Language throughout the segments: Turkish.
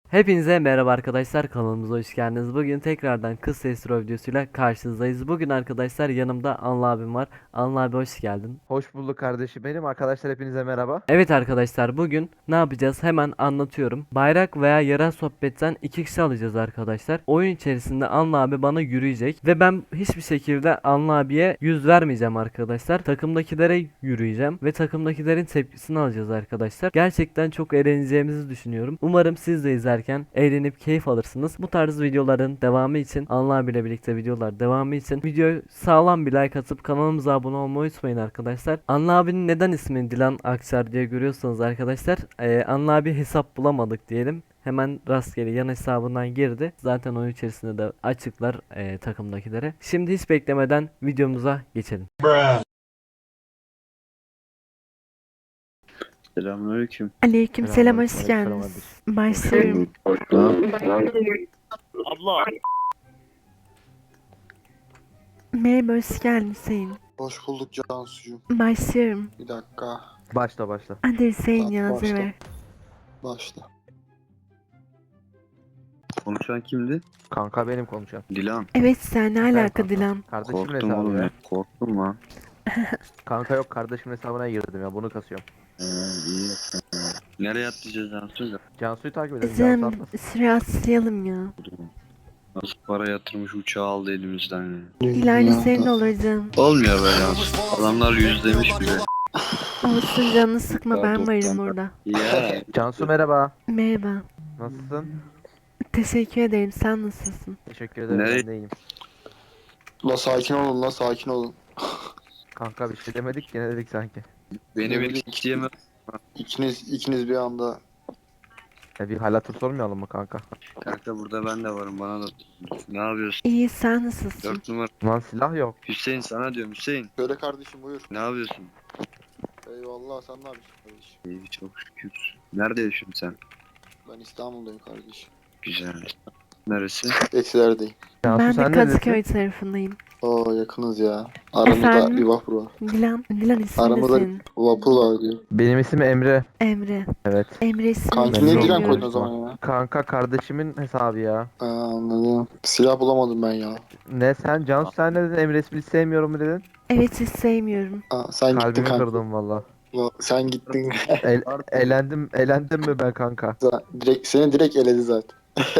Hepinize merhaba arkadaşlar, kanalımıza hoş geldiniz. Bugün tekrardan kız sesli videosuyla karşınızdayız. Bugün arkadaşlar yanımda Anıl abim var. Anıl abi hoş geldin. Hoş bulduk kardeşim benim. Arkadaşlar hepinize merhaba. Evet arkadaşlar, bugün ne yapacağız hemen anlatıyorum. Bayrak veya yerel sohbetten 2 kişi alacağız arkadaşlar. Oyun içerisinde Anıl abi bana yürüyecek ve ben hiçbir şekilde Anıl abiye yüz vermeyeceğim arkadaşlar. Takımdakilere yürüyeceğim ve takımdakilerin tepkisini alacağız arkadaşlar. Gerçekten çok eğleneceğimizi düşünüyorum. Umarım siz de izlerken eğlenip keyif alırsınız. Bu tarz videoların devamı için, Anıl abiyle birlikte videolar devamı için videoyu sağlam bir like atıp kanalımıza abone olmayı unutmayın arkadaşlar. Anıl abinin neden ismini Dilan Akçar diye görüyorsanız arkadaşlar, Anıl abi hesap bulamadık diyelim. Hemen rastgele yan hesabından girdi. Zaten oyun içerisinde de açıklar takımdakilere. Şimdi hiç beklemeden videomuza geçelim. Selamünaleyküm. Aleykümselam, hoş Aleykümselam geldiniz. Başlıyorum. Abla. Merhaba, hoş geldin Hüseyin. Hoş bulduk Cansucuğum. Başlıyorum. Bir dakika. Başla. Hadi Hüseyin Tamam, ya, başla. ver. Başla. Konuşan kimdi? Kanka benim konuşan. Dilan. Evet, sen ne alaka kanka. Dilan? Kardeşimin Korktum hesabı oğlum ya. ya. Korktum lan. Kanka yok, kardeşimin hesabına girdim ya, bunu kasıyorum. İyi. Nereye atlayacağız Cansu'yla? Cansu'yu takip edelim. Cansu Cem, atmasın. süre atlayalım ya. Nasıl para yatırmış uçağı aldı elimizden ya. İleride senin de olur Cem. Olmuyor be Cansu. Adamlar 100 demiş bile. Olsun, canını sıkma, Ya, ben varım 90. burada. Ya. Cansu merhaba. Merhaba. Nasılsın? Teşekkür ederim, sen nasılsın? Teşekkür ederim, Nereye- ben de iyiyim. La sakin olun, la sakin olun. Kanka bir şey demedik ki, ne dedik sanki. Beni bekleyemem. İkiniz bir anda. Bir hal hatır sormayalım mı kanka? Kanka burada ben de varım bana da. Ne yapıyorsun? İyi, sen nasılsın? 4 numara. Lan silah yok. Hüseyin sana diyorum Hüseyin. Söyle kardeşim, buyur. Ne yapıyorsun? Eyvallah, sen ne yapıyorsun kardeşim? İyi çok şükür. Nerede yaşıyorsun sen? Ben İstanbul'dayım kardeşim. Güzel. Neresi? Etilerdeyim. Cansu Ben de sen neredesin? Kadıköy tarafındayım. Oo, yakınız ya. Aramızda Efendim? bir vapur var. Dilan ismin de Aramızda senin. vapur var diyor. Benim ismim Emre. Emre. Evet. Emre ismini Kanki Memnun niye oldum. Dilan bilmiyorum. koydun o zaman ya? Kanka kardeşimin hesabı ya. Anladım. Silah bulamadım ben ya. Ne sen Cansu, sen ne dedin? Emre ismini sevmiyorum mu dedin? Evet, hiç sevmiyorum. Sen gittin Kalbimi kanka. kırdın valla. Sen gittin. Elendim mi ben kanka? Seni direkt eledi zaten.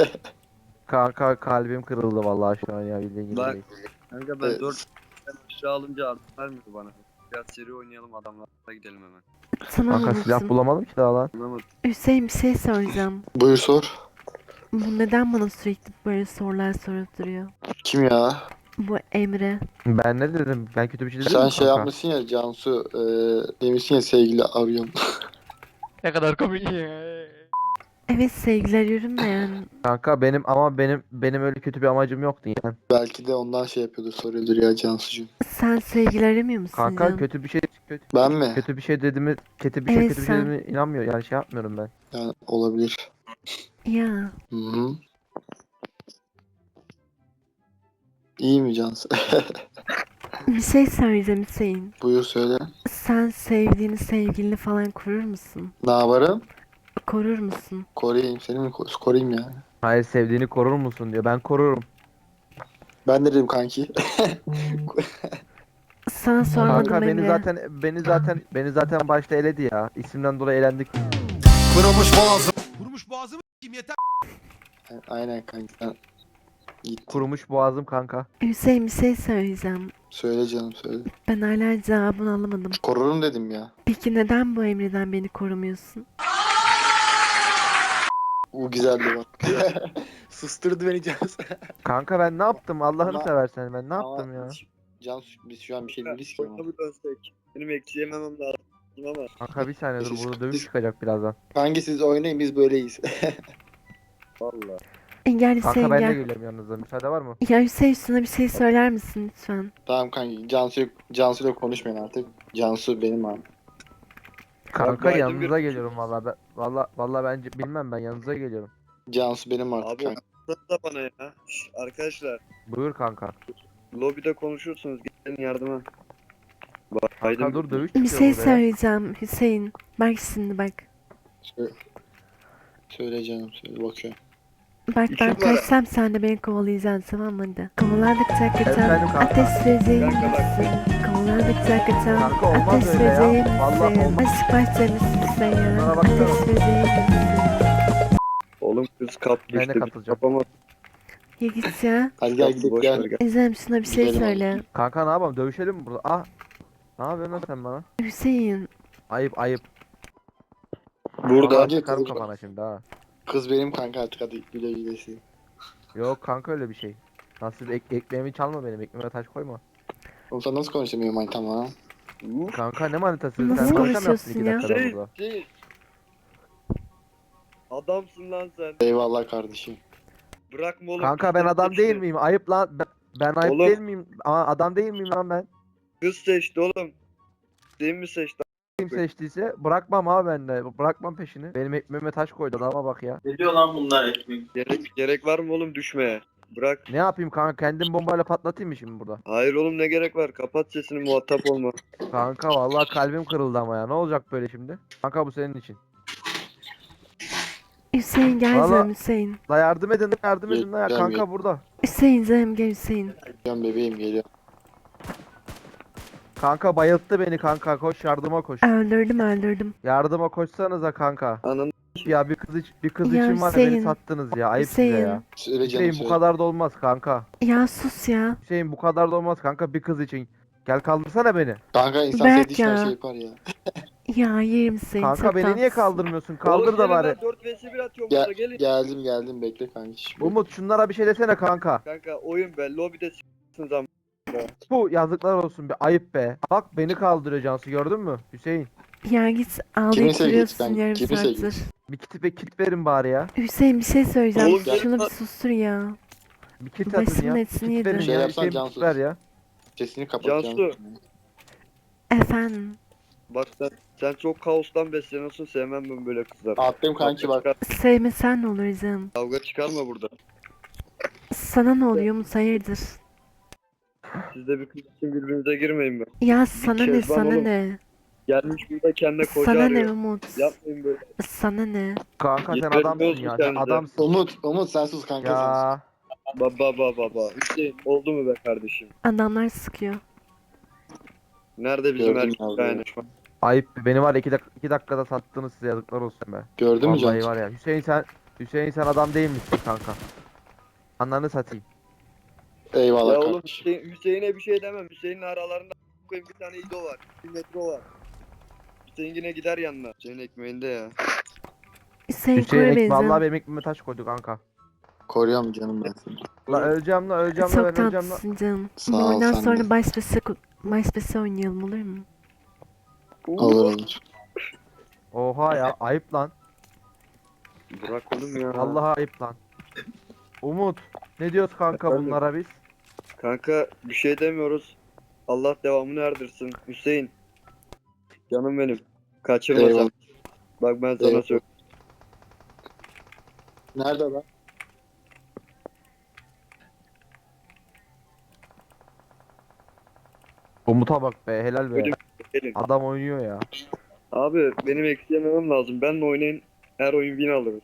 Kanka kalbim kırıldı vallahi şu an ya, bildiğin gibi Bak. değil. Kanka ben Evet. 4 aşağı alınca artık vermiyor bana. Biraz seri oynayalım adamlarla gidelim hemen. Tamam, Kanka silah unuttum. bulamadım ki daha lan. Anlamadım. Hüseyin, bir şey soracağım. Buyur sor. Bu neden bana sürekli böyle sorular sorup duruyor? Kim ya? Bu Emre. Ben ne dedim? Ben kötü bir şey dedim Sen mi şey kanka? yapmışsın ya Cansu, demişsin ya sevgili arıyorum. Ne kadar komik. Evet, sevgili arıyorum da yani. Kanka benim öyle kötü bir amacım yoktu yani. Belki de ondan şey yapıyordur, soruyordur ya Cansucuğum. Sen sevgili aramıyor musun Kanka canım? kötü bir şey Ben mi? kötü bir şey dediğimi kötü bir Evet, şey sen. dediğimi inanmıyor yani, şey yapmıyorum ben. Yani olabilir. Ya. Hı-hı. İyi mi Cansu? Bir şey söyleyeceğim Hüseyin. Buyur söyle. Sen sevdiğini, sevgilini falan korur musun? Ne yaparım? Korur musun? Koruyayım. Seni mi koruyayım yani? Hayır, sevdiğini korur musun diyor. Ben korurum. Ben de dedim kanki. Sana sormadım Kanka Emre. beni zaten başta eledi ya. İsimden dolayı elendik. Kurumuş boğazımı s**eyim yeter. Aynen kanki. Sen git. Kurumuş boğazım kanka. Hüseyin, bir şey söyleyeceğim. Söyle canım söyle. Ben hala cevabını alamadım. Korurum dedim ya. Peki neden bu Emre'den beni korumuyorsun? O güzeldi bak. Susturdu beni Cansu. Kanka ben ne yaptım? Allah'ını Ama- seversen ben ne Ama yaptım ya? Cansu biz şu an bir şey değiliz ki ama. Oyuna bir dönsek. Benim ekleyememem lazım ama. Kanka bir saniye dur, burada dövüş çıkacak birazdan. Kanki siz oynayın, biz böyleyiz. Valla. Gel Kanka Hüseyin, ben de gel. geliyorum yanınıza, müsaade var mı? Ya Hüseyin, şuna bir şey söyler misin lütfen? Tamam kanki. Cansu'yla konuşmayın artık. Cansu benim abi. Kanka Biden yanınıza bir- geliyorum vallahi ben vallahi bence bilmem, ben yanınıza geliyorum. Cansu benim artık Abi kanki. da bana ya. arkadaşlar. Buyur kanka. Lobide konuşursunuz. Gelin yardıma. Kanka dur, dövüş Bir çıkıyor şey burada ya. söyleyeceğim Hüseyin. Bak şimdi bak. Söyle. Söyle canım söyle bakıyorum. Bak ben İşim var. kaçsam sen de beni kovalayacaksın tamam mı hadi. Kovaladıkça kaçan Efendim kanka. ateş böceği Kanka bak. misin? Kovaladıkça kaçan Kanka olmaz ateş öyle ya. böceği Vallahi misin? olmaz. Aşk bahçemisin sen ya. Bana baksana. Ateş böceği misin? Oğlum kız kaptı Ben de işte. katılacağım. Kapamadı. Ya git ya. Hadi gel gidelim Boş ver gel. gel. İzlem şuna bir şey Gidelim söyle. Kanka ne yapalım? Dövüşelim mi burada? Ah. Ne yapıyorsun lan sen bana? Hüseyin. Ayıp ayıp. Burada. Vallahi Bence sıkarım kız- kafana şimdi ha. Kız benim kanka artık hadi güle gülesin. Yok kanka öyle bir şey. Nasıl ekmeğimi çalma benim. Ekmeğime taş koyma. Oğlum sen nasıl konuşuyorsun benim manitamla ha? Kanka ne manitası? Nasıl Sen boşa mı yaptın konuşuyorsun 2 ya? dakikada Şey, burada? şey. Adamsın lan sen. Eyvallah kardeşim. Bırakma oğlum. Kanka ben kız adam seçti. değil miyim? Ayıp lan. Ben ayıp Oğlum. değil miyim? Aa, adam değil miyim lan ben? Kız seçti oğlum. Değil mi seçti? Kim seçtiyse bırakmam abi ben de. Bırakmam peşini. Benim ekmeğime taş koydu adama bak ya. Ne diyor lan bunlar ekmek? Gerek var mı oğlum düşmeye? Bırak. Ne yapayım kanka? Kendim bombayla patlatayım mı şimdi burada? Hayır oğlum ne gerek var? Kapat sesini muhatap olma. Kanka vallahi kalbim kırıldı ama ya. Ne olacak böyle şimdi? Kanka bu senin için. Hüseyin gel Valla- canım Hüseyin. La yardım edin, yardım edin la ya. Gel, Kanka gel. burada. Hüseyin canım gel Hüseyin. Geliyorum bebeğim geliyorum. Kanka bayılttı beni kanka. Koş yardıma koş. Öldürdüm. Yardıma koşsanıza kanka. Ananı Ya bir kız Ya için var ya beni Hüseyin, sattınız ya. Ayıp size Hüseyin. ya. Söyle canım Hüseyin bu söyle. kadar da olmaz kanka. Ya sus ya. Hüseyin bu kadar da olmaz kanka bir kız için. Gel kaldırsana beni. Kanka insan Berk sevdiği için her ya. şey yapar ya. Ya yerim seni. Kanka çok beni niye tatlısın. kaldırmıyorsun? Kaldır da bari. 4 vs 1 atıyorum Gel, burada gelin. geldim bekle kanka. Umut şunlara bir şey desene kanka. Kanka oyun be. Lobide s**sın zaman. Bu yazıklar olsun be. Ayıp be. Bak beni kaldırıyor Cansu gördün mü? Hüseyin. Ya git ağlayıp sevgilisi duruyorsun ben? yarım Kimin saattir. sevgilisi? Bir kit verin bari ya. Hüseyin bir şey söyleyeceğim. Oğlum, Şunu bir gel- sustur ya. Bir kit Başımın atın ya. etini Kit verin yedin. Şey ya. yapsan Hüseyin bir Cansu. kit ver ya. Sesini kapat Cansu. canım. Efendim. Bak sen çok kaostan besleniyorsun. Sevmem ben böyle kızlar. Attım kanki bak. Sevmesen ne olur canım. Kavga çıkarma burada. Sana ne oluyor Umut hayırdır? Siz de bir kız için birbirinize girmeyin be. Ya sana ne Kezban sana oğlum. ne? Gelmiş burada kendine koca Sana ne arıyor. Umut? Yapmayın böyle. Sana ne? Kanka sen Yeterli adamsın olsun ya. Sen kendinize. adamsın. Umut sen sus kanka sen sus. Ya. Baba. Hüseyin oldu mu be kardeşim? Adamlar sıkıyor. Nerede bizim Gördüm erkek abi. yani? Ayıp be. Beni var ya 2 dakikada sattınız size yazıklar olsun be. Gördün mü Vallahi Cansu? var ya. Hüseyin sen adam değil misin kanka? Anlarını satayım. Eyvallah Ya oğlum kardeşim. Hüseyin'e bir şey demem. Hüseyin'in aralarında koyayım bir tane İdo var. Bir metro var. Hüseyin yine gider yanına. Hüseyin ekmeğinde ya. Hüseyin Hüseyin koy beni vallahi canım. benim ekmeğime taş koydu kanka. Koruyorum canım ben seni. La öleceğim la Çok ben öleceğim la. tatlısın canım. Sağ Bu ol, oyundan sen sonra de. başbesi oynayalım olur mu? Olur. Oha ya ayıp lan. Bırak oğlum ya. Vallahi ayıp lan. Umut ne diyoruz kanka Efendim? bunlara biz? Kanka bir şey demiyoruz. Allah devamını erdirsin. Hüseyin. Canım benim. Kaçırma Eyvallah. sen. Bak ben sana Eyvallah. söyleyeyim. Nerede lan? Umut'a bak be helal be. Öyle- Gelin. Adam oynuyor ya. Abi benim eksilememem lazım. Benle oynayın. Her oyun win alırız.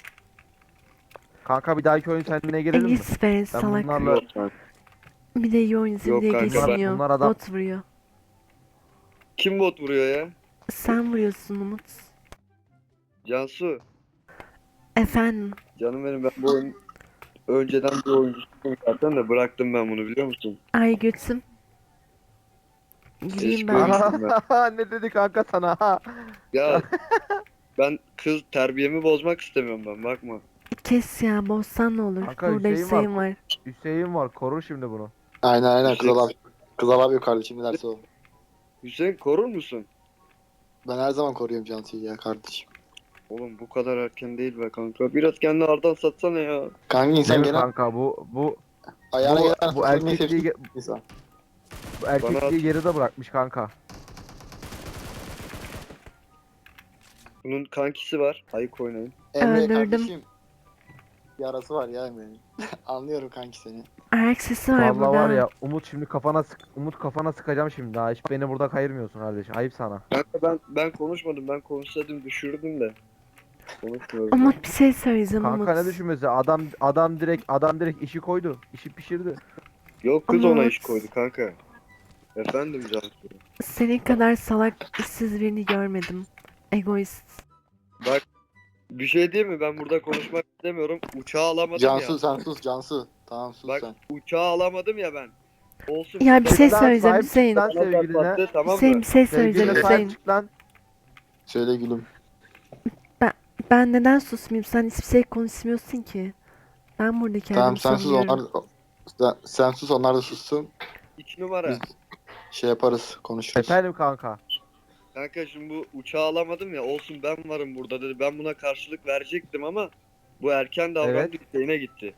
Kanka bir dahaki oyun seninle gelelim mi? Elis be salak. bunlarla- Yok kanka. Bir de iyi oyuncu Yok diye kanka, ben- geçiniyor. bunlar adam- Bot vuruyor. Kim bot vuruyor ya? Sen vuruyorsun Umut. Cansu. Efendim. Canım benim ben bu oyun önceden bir oyuncusuyum zaten de bıraktım ben bunu biliyor musun? Ay götüm. Gireyim Eski ben. oyuncu. Ne dedi kanka sana ha? Ya ben kız terbiyemi bozmak istemiyorum ben bakma. Kes ya bozsan ne olur. Kanka, Burada Hüseyin Hüseyin var. Hüseyin var korur şimdi bunu. Aynen Hüseyin. Kızal abi yok kardeşim ne derse o. Hüseyin korur musun? Ben her zaman koruyorum Cansu'yu ya kardeşim. Oğlum bu kadar erken değil be kanka. Biraz kendini ardan satsana ya. Kanka insan Değil mi gene kanka bu ayağına bu, gelen bu fırlatmayı erkekliği sevsin insan. bu erkekliği geride bırakmış kanka. Bunun kankisi var. Ayık oynayın. Emre Öldürdüm. kardeşim. Yarası var ya Emre'nin. Anlıyorum kanki seni. Ayak sesi var Vallahi burada. var ya Umut şimdi Umut kafana sıkacağım şimdi ha. Hiç beni burada kayırmıyorsun kardeşim. Ayıp sana. Kanka ben konuşmadım. Ben konuşsaydım düşürdüm de. Konuşmuyoruz. Ama bir şey söyleyeceğim Kanka ne Umut. düşünmesi? Adam direkt işi koydu. İşi pişirdi. Yok kız ona Umut. iş koydu kanka. Efendim Cansu. Senin kadar salak, işsiz birini görmedim. Egoist. Bak bir şey değil mi? Ben burada konuşmak istemiyorum. Uçağı alamadım Cansu ya. sen sus Cansu. Tamam sus Bak sen. uçağı alamadım ya ben. Olsun. Ya bir bana şey Lan söyleyeceğim sahip çık Hüseyin. lan bana sevgiline. patlattı, tamam Hüseyin mı? bir şey söyleyeceğim Sevgiline Hüseyin. sahip çık lan. Söyle gülüm. Ben neden susmayayım? Sen hiçbir şey konuşmuyorsun ki. Ben burada Tamam kendimi sen sus savunuyorum. sen sus onlar da sussun. 2 numara. Biz şey yaparız konuşuruz. Efendim kanka. Kanka şimdi bu uçağı alamadım ya. Olsun ben varım burada dedi. Ben buna karşılık verecektim ama bu erken davrandı, Evet. isteğine gitti.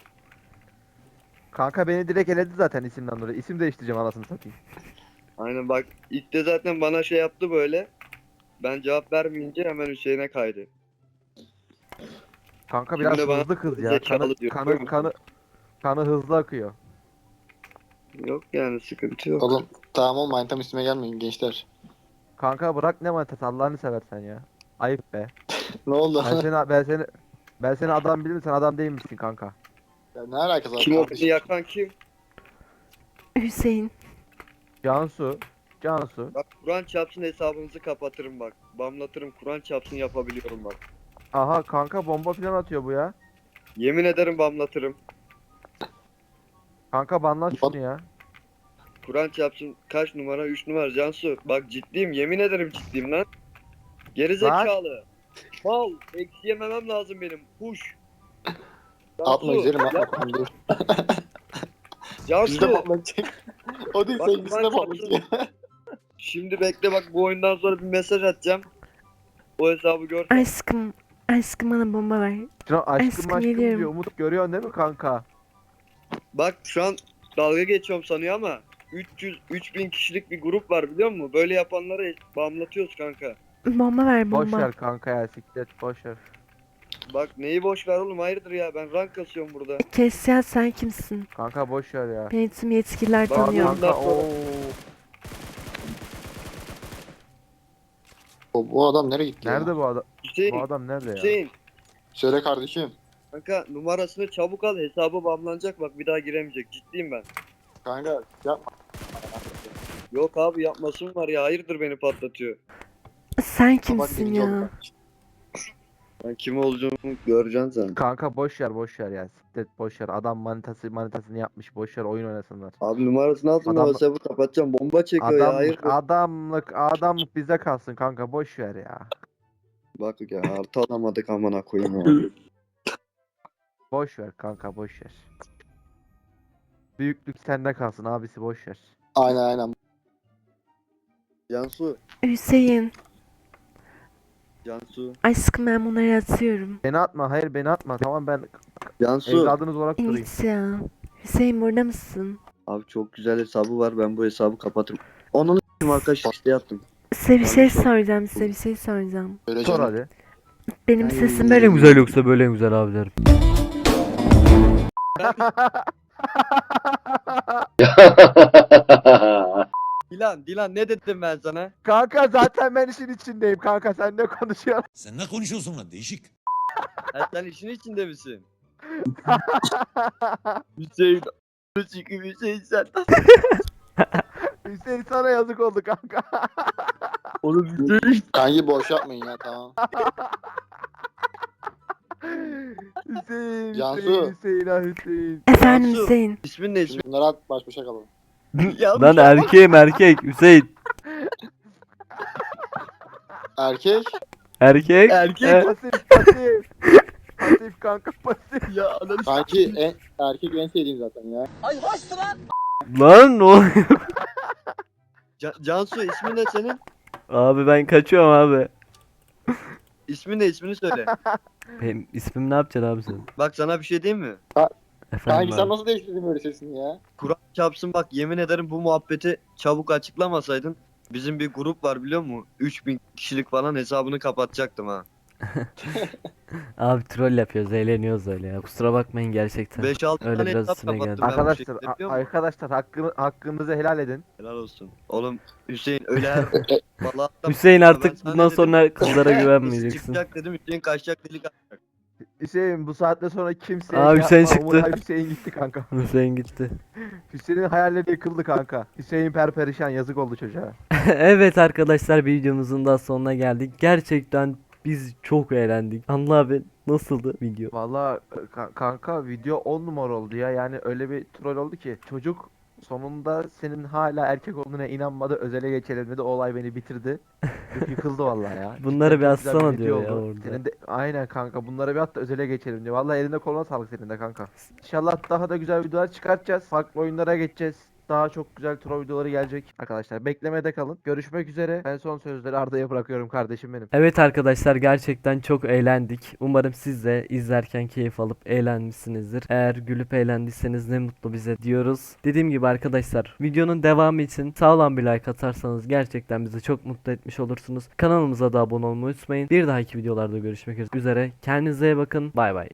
Kanka beni direkt eledi zaten isimden dolayı. İsim değiştireceğim anasını satayım. Aynen bak ilk de zaten bana şey yaptı böyle. Ben cevap vermeyince hemen Hüseyin'e kaydı. Kanka biraz Şimdi bana hızlı kız ya. zekalı diyor. Kanı hızlı akıyor. Yok yani sıkıntı yok. Oğlum tamam oğlum manitam üstüme gelmeyin gençler. Kanka bırak ne manitası Allah'ını seversen ya. Ayıp be. Ne oldu? Ben seni adam bilirim sen adam değil misin kanka? Ya ne alakası var Kim o beni kardeşim? yakan kim? Hüseyin. Cansu. Bak Kur'an çarpsın hesabınızı kapatırım bak. Bamlatırım Kur'an çarpsın yapabiliyorum bak. Aha kanka bomba falan atıyor bu ya. Yemin ederim bamlatırım. Kanka banlan şunu ya. Kur'an çarpsın kaç numara? 3 numara Cansu. Bak ciddiyim yemin ederim ciddiyim lan. Geri zekalı. Mal. Eksi yememem lazım benim. Push. Atma güzelim atma yapma. tamam dur. Bizde Cansu. patlatacak. O değil Bak, sevgilisine Kur'an patlatacak. Şimdi bekle bak bu oyundan sonra bir mesaj atacağım. O hesabı gör. Aşkım. Aşkım bana bomba ver. Şuna aşkım Aşkım aşkım geliyorum. diyor. Umut görüyorsun değil mi kanka? Bak şu an dalga geçiyorum sanıyor ama 3000 kişilik bir grup var biliyor musun? Böyle yapanları bağımlatıyoruz kanka. Bomba ver Boş bomba. ver kanka ya siklet boş ver. Bak neyi boş ver oğlum hayırdır ya ben rank kasıyorum burada. Kesya sen kimsin? Kanka boş ver ya. Beni tüm yetkililer Bak, tanıyor. Ondan Kanka sonra- ooo. Bu adam nereye gitti ya? Nerede bu adam? Hüseyin, Bu adam nerede ya? Hüseyin. Söyle kardeşim. Kanka numarasını çabuk al hesabı bağlanacak bak bir daha giremeyecek ciddiyim ben. Kanka yapma. Yok abi yapmasın var ya hayırdır beni patlatıyor. Sen Kapat kimsin birinci oldu ya? kardeşim. Ben kim olduğumu göreceksin sen. Kanka boş ver ya. Siklet boş ver. Adam manitasını yapmış. Boş ver oyun oynasınlar. Abi numarasını alsın Adam- o hesabı kapatacağım bomba çekiyor ya hayırdır. Adamlık bize kalsın kanka boş ver ya. Bak ya artı alamadık amına koyayım ya. Boş ver kanka boş ver. Büyüklük sende kalsın abisi boş ver. Aynen. Cansu. Hüseyin. Cansu. Aşkım ben bunları atıyorum. Beni atma hayır beni atma tamam ben Cansu. evladınız olarak durayım. İnit ya. Hüseyin burada mısın? Abi çok güzel hesabı var ben bu hesabı kapatırım. Onun için arkadaş işte yaptım. Size bir şey Yanlış oldu. soracağım. Size bir şey soracağım. Söyle Sor canım. hadi. Benim Ay. sesim Böyle güzel yoksa böyle güzel abilerim. Dilan ne dedim ben sana? Kanka zaten ben işin içindeyim kanka sen ne konuşuyorsun? Sen ne konuşuyorsun lan değişik. Sen işin içinde misin? Hüseyin. Çünkü Hüseyin sen. Hüseyin sana yazık oldu kanka. Oğlum Hüseyin. Kanki boş yapmayın ya tamam. Hüseyin, Cansu. Hüseyin. Efendim Cansu. Hüseyin. İsmin ne Şimdi bunları at baş başa kalalım. Ya Lan erkeğim erkek Hüseyin. Erkek. Erkek. Erkek. Pasif. Pasif kanka pasif. Ya ananı Kanki erkek en sevdiğim zaten ya. Lan ne oluyor? Cansu ismin ne senin? Abi ben kaçıyorum abi. İsmin ne ismini söyle. Benim ismim ne yapacaksın abi sen? Bak sana bir şey diyeyim mi? Efendim Kanki sen abi. nasıl değiştirdin böyle sesini ya? Kur'an çarpsın bak yemin ederim bu muhabbeti çabuk açıklamasaydın bizim bir grup var biliyor musun? 3000 kişilik falan hesabını kapatacaktım ha. Abi troll yapıyoruz, eğleniyoruz öyle ya. Kusura bakmayın gerçekten. 5-6 Öyle tane biraz hesap üstüne geldi. kapattım ben bu Arkadaşlar şekilde, biliyor musun? arkadaşlar hakkınızı helal edin. Helal olsun. Oğlum Hüseyin öyle her vallahi Hüseyin ben artık sana bundan dedim, sonra kızlara Hızlı güvenmeyeceksin. çıkacak dedim, Hüseyin kaçacak delik atacak. Hüseyin bu saatte sonra kimseye Aa, şey Hüseyin yapma. çıktı. Umur Hüseyin gitti kanka. Hüseyin gitti. Hüseyin'in hayalleri yıkıldı kanka. Hüseyin perperişan, yazık oldu çocuğa. Evet arkadaşlar, videomuzun da sonuna geldik. Gerçekten biz çok eğlendik. Allah abi, nasıldı video? Valla kanka video 10 numara oldu ya. Yani öyle bir troll oldu ki çocuk sonunda senin hala erkek olduğuna inanmadı. Özele geçelim dedi. O olay beni bitirdi. Yıkıldı vallahi ya. Bunları Cidden bir çok güzel atsana video diyor ya oldu. orada. Senin de aynen kanka, bunları bir at da özele geçelim diyor. Vallahi eline koluna sağlık senin de kanka. İnşallah daha da güzel videolar çıkartacağız. Farklı oyunlara geçeceğiz. Daha çok güzel troll videoları gelecek. Arkadaşlar beklemede kalın. Görüşmek üzere. Ben son sözleri Arda'ya bırakıyorum kardeşim benim. Evet arkadaşlar, gerçekten çok eğlendik. Umarım siz de izlerken keyif alıp eğlenmişsinizdir. Eğer gülüp eğlendiyseniz ne mutlu bize diyoruz. Dediğim gibi arkadaşlar, videonun devamı için sağlam bir like atarsanız gerçekten bizi çok mutlu etmiş olursunuz. Kanalımıza da abone olmayı unutmayın. Bir dahaki videolarda görüşmek üzere. Kendinize iyi bakın. Bay bay.